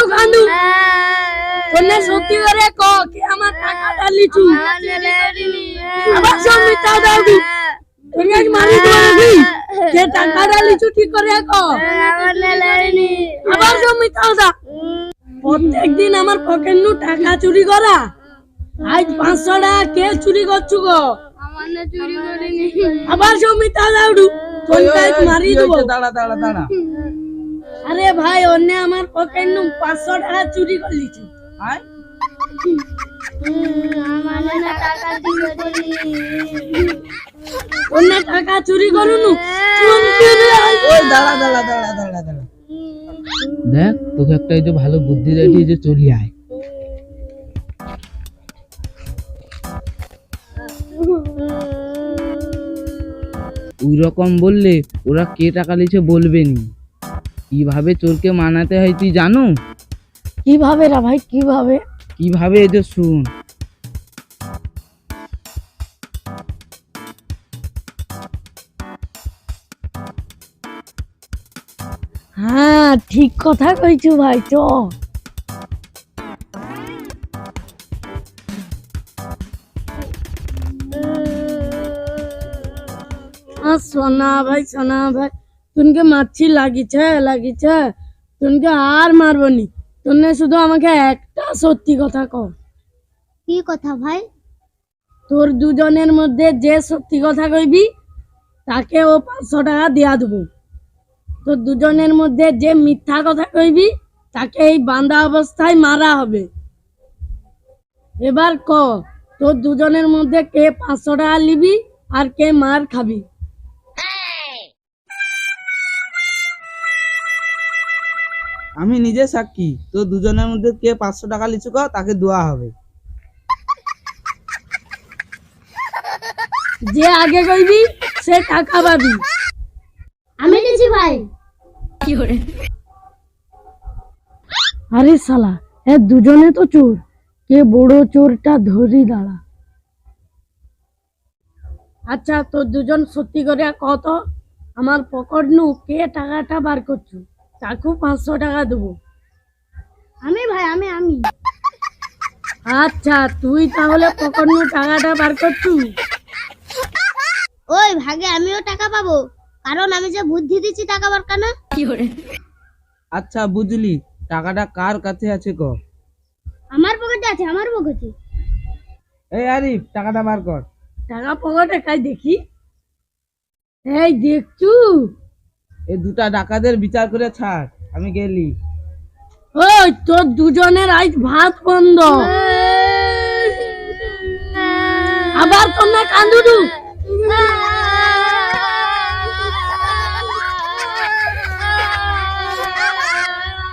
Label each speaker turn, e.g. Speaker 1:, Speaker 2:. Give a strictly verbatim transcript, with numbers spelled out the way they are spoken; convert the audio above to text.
Speaker 1: কেউ কান্দু তোনে সত্যি করে ক কে আমার টাকাটা লিচু আবার সব মিথ্যা দাও দু তোনে আজ মারি দেব নাকি কে টাকাটা লিচু ঠিক করে ক আবার সব মিথ্যা দাও প্রত্যেকদিন আমার পকেট নু টাকা চুরি করা আজ পাঁচশো টাকা কে চুরি করছু গো
Speaker 2: আমানে চুরি করিনি
Speaker 1: আবার সব মিথ্যা দাও দু তোনে আজ মারি দেব
Speaker 3: দাঁড়া দাঁড়া দাঁড়া
Speaker 1: আরে ভাই অন্য আমার পকেট নু পাঁচশো টাকা চুরি করে লিচু
Speaker 3: আয়
Speaker 2: আমানে না টাকা দিবে দেনি
Speaker 1: অন্য টাকা চুরি করুনু
Speaker 3: ওই দাঁড়া দাঁড়া দাঁড়া দাঁড়া দাঁড়া দেখ তোকে একটা এই যে ভালো বুদ্ধি রেডি যে চলি আয় ওই রকম বললে ওরা কে টাকা লিছে বলবে নি কিভাবে চোরকে মানাতে হয় তুই জানো
Speaker 1: কিভাবে রা ভাই কিভাবে
Speaker 3: কিভাবে এই যে শুন
Speaker 1: হ্যাঁ ঠিক কথা কইছু ভাই চ সোনা ভাই সোনা ভাই তুনকে মাছি লাগিছে লাগিছে তুনকে আর মারবনি তুনে শুধু আমাকে একটা সত্যি কথা কও
Speaker 2: কি কথা ভাই
Speaker 1: তোর দুজনের মধ্যে যে সত্যি কথা কইবি তাকে ও পাঁচশো টাকা দিয়া দেবো তোর দুজনের মধ্যে যে মিথ্যা কথা কইবি তাকে এই বাঁধা অবস্থায় মারা হবে এবার ক তোর দুজনের মধ্যে কে পাঁচশো টাকা নিবি আর কে মার খাবি
Speaker 3: আমি নিজে সাক্ষী তো দুজনের মধ্যে কে পাঁচশো টাকা লিচু কর তাকে দেওয়া হবে
Speaker 1: যে আগে কইবি সে টাকা পাবি
Speaker 2: আমি দিছি ভাই
Speaker 1: আরে শালা এ দুজনে তো চোর কে বড় চোরটা ধরি দাঁড়া আচ্ছা তোর দুজন সত্যি করে কত আমার পকেট নু কে টাকাটা বার করছু তাকে পাঁচশো টাকা দেবো
Speaker 2: আমি ভাই আমি আমি
Speaker 1: আচ্ছা তুই তাহলে পকেট নু টাকাটা বার করছু
Speaker 2: ওই ভাগে আমিও টাকা পাবো কারণ আমি যে বুদ্ধি দিচ্ছি টাকা বার কেন
Speaker 3: আচ্ছা বুঝলি টাকাটা কার কাছে আছে ক
Speaker 2: আমার পকেটে আছে আমার পকেটে
Speaker 3: এই আরিফ টাকাটা বার কর
Speaker 1: টাকা পকেটে খাই দেখি এই দেখছু
Speaker 3: এই দুটা ডাকাতের বিচার করে ছাড় আমি গেলি
Speaker 1: ওই তোর দুজনের আজ ভাত বন্ধ আবার তোমরা কান্দুদু